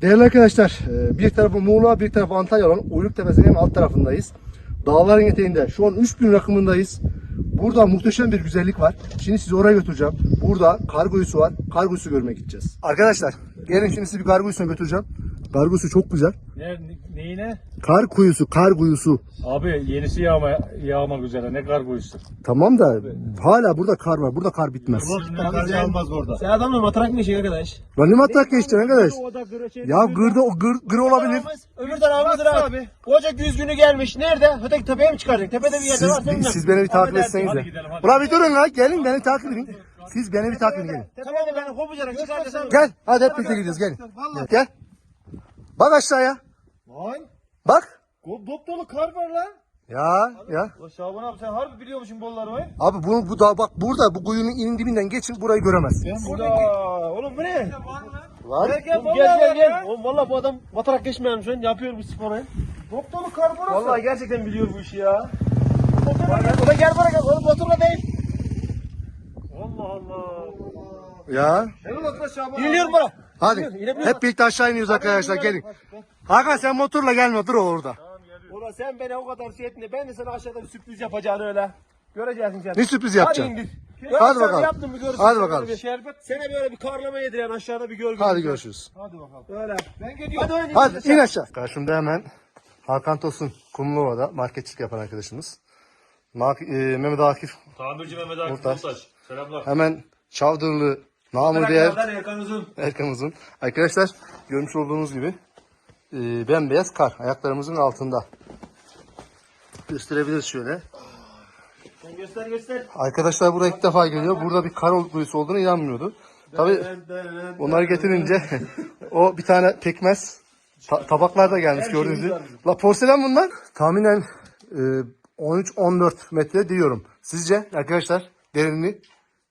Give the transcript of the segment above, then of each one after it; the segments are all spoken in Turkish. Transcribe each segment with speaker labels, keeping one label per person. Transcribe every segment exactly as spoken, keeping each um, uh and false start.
Speaker 1: Değerli arkadaşlar, bir tarafı Muğla, bir tarafı Antalya olan Uyluk Tepesi'nin en alt tarafındayız. Dağların eteğinde. Şu an üç bin rakımındayız. Burada muhteşem bir güzellik var. Şimdi sizi oraya götüreceğim. Burada kar kuyusu var. Kar kuyusu görmeye gideceğiz. Arkadaşlar, gelin şimdi sizi bir kar kuyusuna götüreceğim. Kar kuyusu çok güzel.
Speaker 2: Ne, neyine?
Speaker 1: Kar kuyusu, kar kuyusu.
Speaker 2: Abi yenisi yağma, yağmak üzere. Ne kar kuyusu.
Speaker 1: Tamam da hala burada kar var. Burada kar bitmez.
Speaker 2: Kar yağmaz orada.
Speaker 3: Sen adamla matrak mı işin arkadaş?
Speaker 1: Lan ne matrak geçti arkadaş? Ya gırda o gır, gır olabilir.
Speaker 3: Öbür tarafımızdır abi. Ocak yüz günü gelmiş. Nerede? Öteki tepeye mi çıkaracak? Tepede bir yerde
Speaker 1: Siz,
Speaker 3: var. Senin
Speaker 1: siz beni bir takip etseniz de. Ulan bir durun lan. Gelin beni takip edin. Siz beni bir takip edin. Gelin.
Speaker 3: Tepede beni kopacaksın. Çıkartacaksın.
Speaker 1: Gel. Hadi hep birlikte gideceğiz. Gelin. Gel. Gel. Bak aşağıya.
Speaker 3: Lan.
Speaker 1: Bak.
Speaker 3: Dop dolu kar var lan.
Speaker 1: Ya ya.
Speaker 3: O Şaban abi sen harbi biliyormuşsun bolları var.
Speaker 1: Abi bu, bu da bak burada bu kuyunun inin dibinden geçin burayı göremez.
Speaker 3: Burada. Oğlum bu ne?
Speaker 1: Var.
Speaker 3: Gel gel gel gel. gel. Oğlum valla bu adam matrak geçmeyen şu an yapıyor bu sporu. Dop dolu kar burası. Valla gerçekten biliyor bu işi ya. O da gel buraya gel. Oğlum motorla değil.
Speaker 2: Allah Allah.
Speaker 1: Ya.
Speaker 3: İniliyorum bana.
Speaker 1: Hadi. Hep birlikte aşağı iniyoruz arkadaşlar. Gelin. Hakan sen motorla gelme. Dur orada.
Speaker 3: Ulan sen beni o kadar şey ettin de ben de sana aşağıda bir sürpriz yapacağını öyle. Göreceksin sen.
Speaker 1: Ne sürpriz yapacaksın?
Speaker 3: Hadi indir.
Speaker 1: Hadi bakalım.
Speaker 3: Yaptım bir görürsün.
Speaker 1: Hadi
Speaker 3: Sana
Speaker 1: bakalım.
Speaker 3: Bir şerbet. Sana böyle bir karlama yediren aşağıda bir gör.
Speaker 1: Hadi görüşürüz.
Speaker 3: Hadi bakalım. Öyle. Ben gidiyorum. Hadi oynayın.
Speaker 1: Hadi in aşağı. Karşımda hemen Hakan Tosun Kumluova'da marketçilik yapan arkadaşımız. Mak e, Mehmet Akif
Speaker 2: Tamirci Mehmet Akif
Speaker 1: Murtaş.
Speaker 2: Murtaş. Selamlar.
Speaker 1: hemen Çavdırlı namı değer
Speaker 3: Erkan Uzun.
Speaker 1: Erkan Uzun. Arkadaşlar görmüş olduğunuz gibi e, bembeyaz kar ayaklarımızın altında. Gösterebiliriz şöyle.
Speaker 3: Sen göster göster.
Speaker 1: Arkadaşlar buraya ilk defa geliyor. Burada bir kar kuyusu olduğunu inanmıyordu. Tabii onları getirince o bir tane pekmez ta- tabaklar da gelmiş gördüğünüz gibi. La porselen bunlar. Tahminen e, on üç on dört metre diyorum. Sizce arkadaşlar derinliği?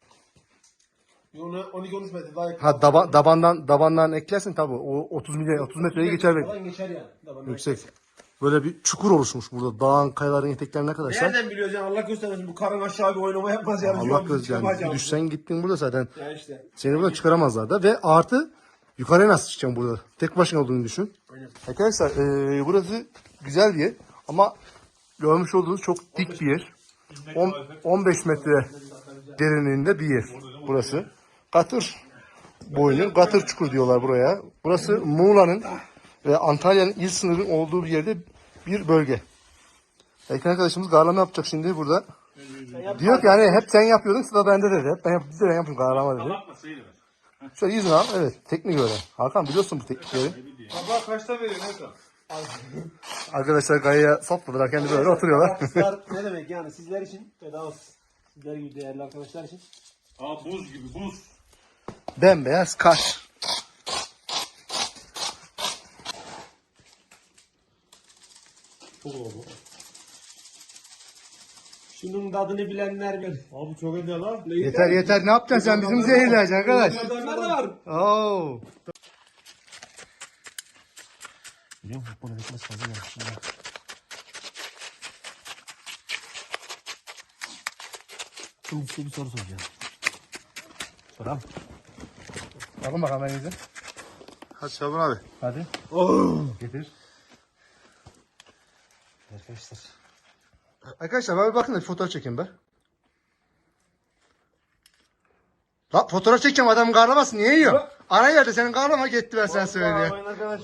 Speaker 3: on iki on üç metre daha yakın.
Speaker 1: Ha daba, dabandan dabandan eklersin tabii. O otuz milyon otuz metreyi geçer belki.
Speaker 3: Falan geçer yani. Tamam.
Speaker 1: Yüksek. Böyle bir çukur oluşmuş burada. Dağın kayaların eteklerine arkadaşlar.
Speaker 3: Nereden biliyoruz yani Allah göstermesin bu karın aşağı bir oynama yapmaz yani. Şu
Speaker 1: Allah
Speaker 3: an
Speaker 1: göz
Speaker 3: biz
Speaker 1: yani.
Speaker 3: çıkamayacağız.
Speaker 1: Bir düşsen gittin burada zaten.
Speaker 3: Ya işte.
Speaker 1: Seni buradan çıkaramazlar da. Ve artı yukarıya nasıl çıkacaksın burada? Tek başına olduğunu düşün.
Speaker 3: Aynen.
Speaker 1: Arkadaşlar eee, burası güzel bir yer. Ama görmüş olduğunuz çok dik bir yer. on, on beş metre derinliğinde bir yer burası. Katır boynu, Katır çukur diyorlar buraya. Burası Muğla'nın ve Antalya'nın il sınırının olduğu bir yerde bir bölge. Erkan arkadaşımız garlama yapacak şimdi burada. Diyor ki hani hep sen yapıyordun sıra bende dedi. Hep ben, yap, biz de ben yapayım garlama dedi. Şöyle yüzünü al. Evet teknik öyle. Hakan biliyorsun bu teknikleri.
Speaker 2: Baba kaçta veriyorsun Erkan?
Speaker 1: Arkadaşlar kayaya sapladılar kendi böyle oturuyorlar.
Speaker 3: Arkadaşlar ne demek yani sizler için bedavasız. Sizler gibi değerli arkadaşlar için.
Speaker 2: Aa buz gibi buz.
Speaker 1: Bembeyaz kar.
Speaker 3: Çok oldu. Şunun tadını bilenler bilir.
Speaker 2: Abi çok ödüyor lan.
Speaker 1: Yeter yeter ne yapacaksın sen bizim zehirleyeceksin arkadaş.
Speaker 3: Nerede var?
Speaker 1: Oo.
Speaker 3: Biliyor musun? Bunu bitmez fazla gelmiş. Şimdi size bir soru soracağım. Soram.
Speaker 1: Bakın bakalım elinize. Hadi Şaban abi.
Speaker 3: Hadi.
Speaker 1: Getir.
Speaker 3: Arkadaşlar.
Speaker 1: Arkadaşlar abi bakın da bir fotoğraf çekeyim be. La fotoğraf çekeceğim adam karlamasın niye yiyor? Ara yerde senin karlama gitti ben sen söyle.
Speaker 3: Arkadaşlar.